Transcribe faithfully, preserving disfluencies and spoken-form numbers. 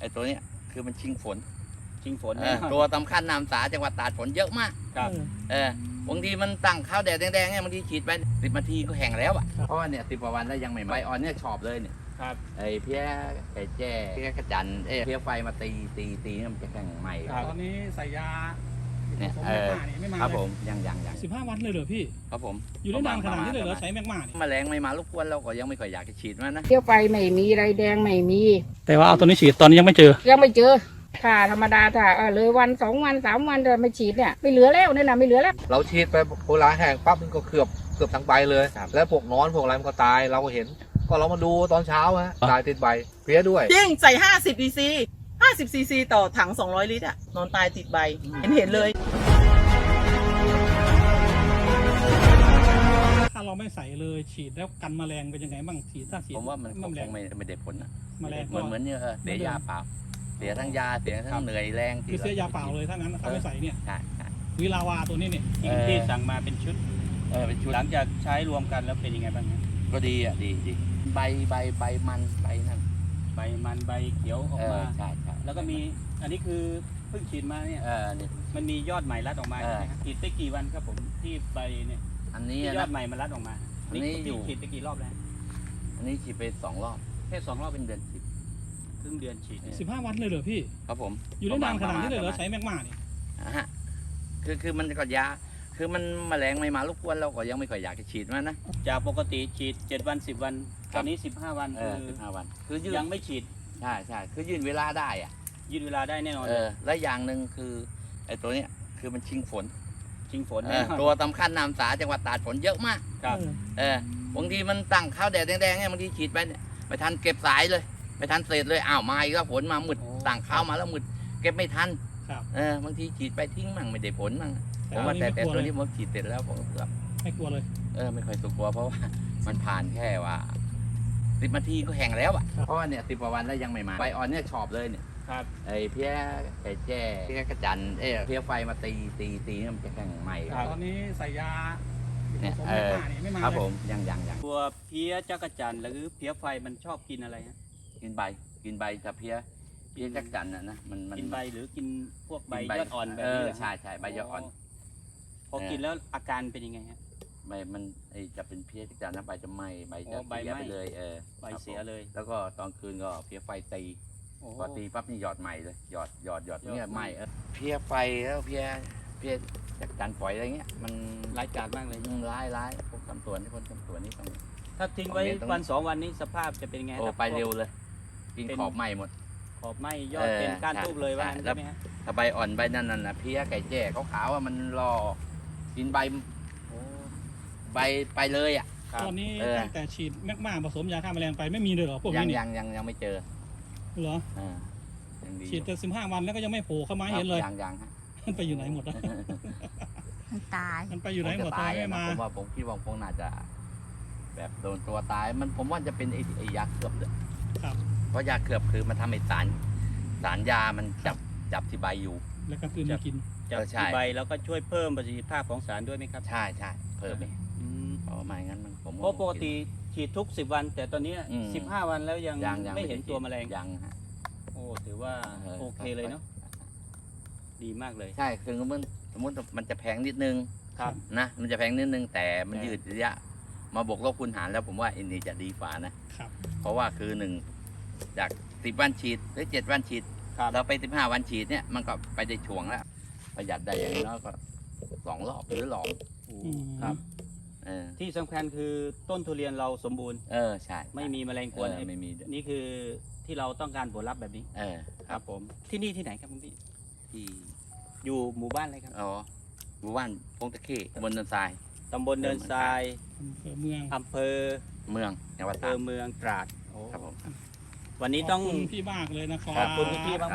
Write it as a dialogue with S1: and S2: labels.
S1: อ้ตัวเนี้ยคือมันชิงฝน
S2: ชิงฝน
S1: เออตัวสำคัญนามสาจังหวัดตราดฝนเยอะมาก
S2: ครับ
S1: เออบางทีมันตั้งข้าวแดดแดงๆเนี่ยบางทีฉีดไปสิบนาทีก็แห้งแล้วอ่ะเพราะว่าเนี่ยสิบกว่าวันแล้วยังไม่ใบอ่อนเนี่ยชอบเลยเนี่ย
S2: ครับ
S1: ไอ้เพี้ยไอ้แจ้เพี้ยกระจันเอ้ยเพี้ยไฟมาตีตีตีเนี่ยมันจะแข็งใหม่
S3: ตอนนี้ใส่ยา
S1: เนี่ย
S3: ผสม
S1: เอ
S3: แมก
S1: อ
S3: มานี่ไม่มา
S1: ครับ
S3: เล
S1: ผ
S3: ย
S1: มยังยังยัง
S3: สิบห้าวันเลยเหรอพี่
S1: ครับผม
S3: อยู่ได้นานขนาดนี้เลยเหรอใช้แมกมานี่
S1: แมลงไม่มารบกวนเราก็ยังไม่ค่อยอยากจะฉีดมันนะ
S4: เที่ยวไปไม่มีไรแดงไม่มี
S3: แต่ว่าเอาตัวนี้ฉีดตอนนี้ยังไม่เจอ
S4: ยังไม่เจอถ้าธรรมดาถ้าเออเลยวันสองวันสามวันจะไม่ฉีดเนี่ยไม่เหลือแล้วเนี่ยนะไม่เหลือแล้ว
S5: เราฉีดไปโบราณแห้งปั๊บมันก็เกือบเกือบทั้งใบเลย แล้วพวกนอนพวกอะไรมันก็ตายเราก็เห็น ก็เรามาดูตอนเช้าฮะตายติดใบเพี้ยด้วย
S6: จริงใส่ ห้าสิบ ซีซี ห้าสิบ ซีซี ต่อถัง สองร้อย ลิตรอะนอนตายติดใบ เห็นเห็นเลย
S3: ถ้าเราไม่ใส่เลยฉีดแล้วกันแมลงเป็นยังไงบ้างฉีดถ้าฉีด
S1: ผมว่ามันคง
S3: แมลง
S1: ไม่ไม่ได้ผลนะ
S3: แมลง
S1: เหมือนเหมือนเนี่ยเออเสียยาเปล่าเสียทั้งยาเสียทั้งเหนื่อยแรง
S3: คือเสียยาเปล่าเลยถ้างั้นถ้าไม่ใส่เนี่ย
S1: ใช่ใช่
S3: วิลาวาตัวนี้เนี่ย
S2: ที่ที่สั่งมาเป็นชุด
S1: เออเป็นชุด
S2: หลังจากใช้รวมกันแล้วเป็นยังไงบ้างครับ
S1: ก็ดีอ่ะดีดีใบใบใบมันใบนั่น
S2: ใบมันใบเขียวออก
S1: เออ
S2: มา
S1: ใช่ใช่
S2: แล้วก็มีอันนี้คือเพิ่งฉีดมาเนี่ย
S1: เออนี่
S2: มันมียอดใหม่รัดออกมา
S1: เออ
S2: ใช่ไหมครับฉีดไปกี่วันครับผมที่ใบเนี่ย
S1: อันนี้
S2: ที่ยอ
S1: นะ
S2: ดใหม่มันรัดออกมา
S1: อันนี้
S2: นี่
S1: อยู่
S2: ฉีดไปกี่รอบแล้ว
S1: อันนี้ฉีดไปสองรอบ
S2: แค่สองรอบ
S1: เป็นเดือนสิบ
S2: ครึ่งเดือนฉีดเนี่ย
S3: สิบห้าวันเลยเหรอพี่
S1: ครับผม
S3: อยู่ได้นานขนาดนี้เลยเหรอ
S1: ประมาณ
S3: ใช้แมกมานี่
S1: อ่ะฮะคือคือมันก็ยาคือมันแมลงไม่มารบกวนเราก็ยังไม่ค่อยอยากจะฉีดมันนะ
S2: จากปกติฉีดเจ็ดวันสิบวัน
S1: ค
S2: ต
S1: รับ
S2: อนนี้สิบห้าวัน
S1: เอ
S2: คือ อ
S1: สิบห้าวัน คือยืด
S2: ยังไม่ฉีด
S1: ใช่ใช่คือยืดเวลาได้อ่ะ
S2: ยืดเวลาได้แน่นอน
S1: เออและอย่างหนึ่งคือไอ้ตัวเนี้ยคือมันชิงฝน
S2: ชิงฝน
S1: เอ
S2: แน่
S1: อน
S2: อน
S1: ตัวสำคัญนามสาจังหวัดตราดฝนเยอะมาก
S2: ครับ
S1: เออบางทีมันตั้งข้าวแดดแดงๆเนี่ยบางทีฉีดไปเนี่ยไม่ทันเก็บสายเลยไม่ทันเศษเลยอ้าวมาอีกแล้วฝนมามืดตั้งข้าวมาแล้วมืดเก็บไม่ทัน
S3: ครับ
S1: เออบางทีฉีดไปทิ้งมั่งไม่ได้ผลมั่งผม
S3: อั
S1: ว่าน แต่
S3: นี้
S1: แต่
S3: ไม่กลัว
S1: ตัว
S3: เลย
S1: นี้ผมฉีดเสร็จแล้วผมก็
S3: ไม่กลัวเลย
S1: เออไม่ค่อยสุกลัวเพราะว่า มันผ่านแค่ว่าสิบนาทีก็แห้งแล้วอ่ะเพราะว่าเนี่ยสิบกว่าวันแล้วยังไม่มาใบอ่อนเนี่ยชอบเลยเนี่ย
S2: ครับ
S1: ไอ้เพี้ยไอ้แจ้เพี้ยกระจันเอ้ยเพี้ยไฟมาตีตีตีเนี่ยมันจะแข็งใหม่
S3: ตอนนี้ใส่ยา
S1: เนี่ย
S3: ผสม
S1: เอ
S3: แมก
S1: อ
S3: มานี่ไม่มา
S1: ครับ
S3: เลย
S1: ผมยังยังยัง
S2: ตัวเพี้ยจักรจันทร์หรือเพี้ยไฟมันชอบกินอะไรฮะ
S1: กินใบกินใบจะเพี้ยเพี้ยจักจันน่ะนะมันมัน
S2: กินใบหรือกินพวกใบ
S1: กิน
S2: ยอดอ่อนแบบ
S1: เอ
S2: นี้
S1: อ
S2: เหรอ
S1: ใช่ใช่ใบยอดอ่อน
S2: พอกินแล้วอาการเป็นยังไงฮะ
S1: ใบมันไอจะเป็นเพี้ยจักจันนะใบจะไหม้ใบ
S2: อ๋
S1: จะ
S2: อใบ
S1: เสีย
S2: ไหม้
S1: ไปเลยเออ
S2: ใบเสียเลย
S1: แล้วก็ตอนคืนก็เพี้ยไฟตี
S2: โอ้
S1: พอตีปั๊บนี่หยอดใหม่เลยหยอดหยอดหยอด
S2: หยอด
S1: เนี่ย
S2: ให
S1: ไห
S2: ม่
S1: ม้เออเพี้ยไฟแล้วเพี้ยเพี้ยจักจันฝอยอะไรเงี้ยมัน
S2: ร้ายกาจมากเลย
S1: อืมร้ายร้ายพวกตำสวนที่คนตำสวนนี่ต้อง
S2: ถ้าทิ้งไว้
S1: ตรงนี้ตรงนี้
S2: วันสองวันนี้สภาพจะเป็นยังไง
S1: โอ้
S2: ครับ
S1: ไปเร็วเลย กิน
S2: เป็น
S1: ขอบไหม้หมด
S2: ขอบไหมยอด
S1: เออ
S2: เป็นก้าน
S1: ใช่
S2: ทูบเลยว่า
S1: ใช่
S2: งั้น
S1: แล้
S2: ใช่
S1: ว
S2: ไหมฮะ
S1: ถ้าใบอ่อนใบนั่นน่ะนะเพี้ยไก่แจ้ขาวๆว่ามันรอกินใบ
S2: โอ้
S1: ใบไปเลยอ่ะ
S2: ครับ
S3: ตอนนี้
S1: เออ
S3: ตั้งแต่ฉีดแมกมาผสมยาฆ่าแมลงไปไม่มีเลยเหรอพวก
S1: ยั
S3: นี้
S1: ง
S3: นี่
S1: ยังยังยังไม่เจอ
S3: เหรอ
S1: อ่ายังดี
S3: ฉีดแต่สิบห้าวันแล้วก็ยังไม่โผล่เข้ามาให้เห็นเลย
S1: ยังยังฮะ
S3: มันไปอยู่ไหนหมดแล้ว
S4: มันตาย
S3: มันไปอยู่ไหนหมด
S1: ผ
S3: ทำ
S1: จะ
S3: ไม
S1: ตาย
S3: ไม่
S1: อะ
S3: มา
S1: นะผมว่าผมคิดว่าคงน่าจะ แบบโดนตัวตายมันผมว่าจะเป็นไอ้ไอ้ยาเขือบเลย
S3: ครับ
S1: เพราะยาเขือบคือมันทำให้สารสารยามันจับจับที่ใบอยู่
S3: แล้วก็คืนมากิน
S2: จาก
S1: เออใช่
S2: ที่ใบแล้วก็ช่วยเพิ่มประสิทธิภาพของสารด้วยไหมครับ
S1: ใช่ใช่เพิ่มไป
S2: อืม
S1: เพราะไม่งั้นมันผม
S2: เพราะปกติฉีดทุกสิบวัน แต่ตอนนี้
S1: อืม
S2: สิบห้าวันแล้วยัง
S1: ยังยัง
S2: ไม่เห็นตัวแมลง
S1: ยังฮะ
S2: โอ้ถือว่าโอเคเลยเนาะดีมากเลย
S1: ใช่คือมันสมมติมันจะแพงนิดนึง
S2: ครับ
S1: นะมันจะแพงนิดนึงแต่มัน
S2: แต่
S1: ยืดระยะ มาบวกลบคูณหารแล้วผมว่าอันนี้จะดีฝ่านะครับ เพราะว่าคือหนึ่งจากสิบวันฉีดหรือเจ็ดวันฉีด
S2: ครับ
S1: เราไปสิบห้าวันฉีดเนี่ยมันก็ไปได้ช่วงแล้วประหยัดได้อย่างน้อยก็สองรอบหรือหลอม
S3: อืม
S2: ครับ
S1: เออ
S2: ที่สำคัญคือต้นทุเรียนเราสมบูรณ์
S1: เออใช่
S2: ไม่มีแมลงก
S1: เอ
S2: วน
S1: อไม่มีด้วย
S2: นี่คือที่เราต้องการผลลัพธ์แบบนี้
S1: เออ
S2: ครับผมที่นี่ที่ไหนครับคุณพี่
S1: ที่
S2: อยู่หมู่บ้านอะไรครับ
S1: อ๋อหมู่บ้านพงตะเข้ตำบลเนินทราย
S2: ตำบลเนินทราย
S3: อำเภอเมือง
S2: อำเภอ
S1: เมืองจังหวัด
S2: อำเภ
S1: ตรา
S2: อ
S1: ด
S2: เมืองตราดโอ้
S1: ครับผม
S2: วันนี้ต้อง
S3: ขบคุณพี่มากเลยนะครั
S2: ขอบคุณคุณพี่